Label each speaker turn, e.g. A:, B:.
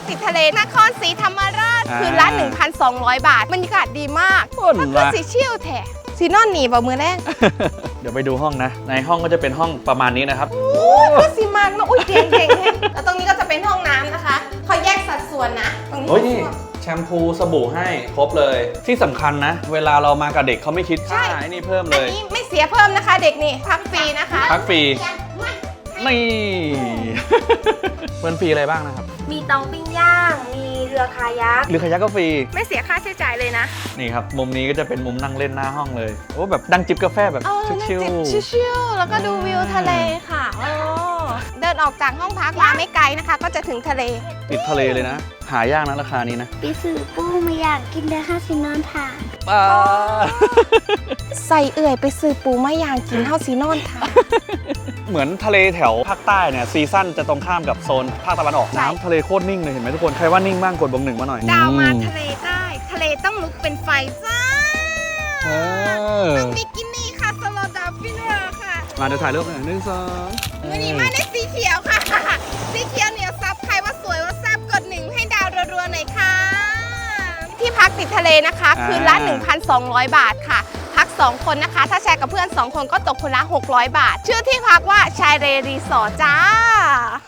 A: ติดทะเลนครศรีธรรมราชคืนละ 1,200 บาทบรรยากาศดีมากก็สีเชี่ยวแท้สีนอนหนีบ่มือแรก
B: เดี๋ยวไปดูห้องนะในห้องก็จะเป็นห้องประมาณนี้นะครับ
A: ก็สีมากนะอุ้ยเก่งเก่งแล้วตรงนี้ก็จะเป็นห้องน้ำนะคะเขาแยกสัดส่วนนะตรงนี้
B: โอ้ยนี่แชมพูสบู่ให้ครบเลยที่สำคัญนะเวลาเรามากับเด็กเขาไม่คิดค่าไอ้นี่เพิ่มเล
A: อัน
B: ย
A: นี้ไม่เสียเพิ่มนะคะเด็กนี่พักฟรีนะคะ
B: พักฟรีนี่เพิ่มฟรีอะไรบ้างนะครับ
A: มีเตาปิ้งย่างมีเรือคายัก
B: หรือขยักก็ฟรี
A: ไม่เสียค่าใช้จ่ายเลยนะ
B: นี่ครับมุมนี้ก็จะเป็นมุมนั่งเล่นหน้าห้องเลยโอ้แบบดังจิบกาแฟแบบชิลๆ
A: ชิลๆแล้วก็ดูวิวทะเลค่ะเดินออกจากห้องพักมาไม่ไกลนะคะ ก็จะถึงทะเล
B: ติดทะเลเลยนะ หายากนะราคานี้นะ
C: ไปซื้อปูมาอยากกินได้ค่ะสินอนค่ะ
A: ใส่เอื่อยไปซื้อปูมะยางกินเท่าซีนอนค่ะ
B: เหมือนทะเลแถวภาคใต้เนี่ยซีซั่นจะตรงข้ามกับโซนภาคตะวันออก
A: ใช่
B: น้ำทะเลโคตรนิ่งเลยเห็นไหมทุกคนใครว่านิ่งบ้างกดบวก 1มาหน่อย
A: ดาวมาทะเลใต้ทะเลต้องลุกเป็นไฟจ้า
B: เออ
A: บิกินี่ค่ะสโลดาฟินเวอร์ค่ะ
B: มาเดี๋ยวถ่ายรูปหน่อย1 2
A: วันนี้มาในสีเขียวค่ะ สีเขียวเหนียวซับใครว่าสวยว่าแซ่บกด1ให้ดาวรัวๆหน่อยค่ะ ที่พักติดทะเลนะคะคืนละ 1,200 บาทค่ะ พัก 2 คนนะคะ ถ้าแชร์กับเพื่อน 2 คนก็ตกคนละ 600 บาท ชื่อที่พักว่าชายเรรีสอร์ทจ้า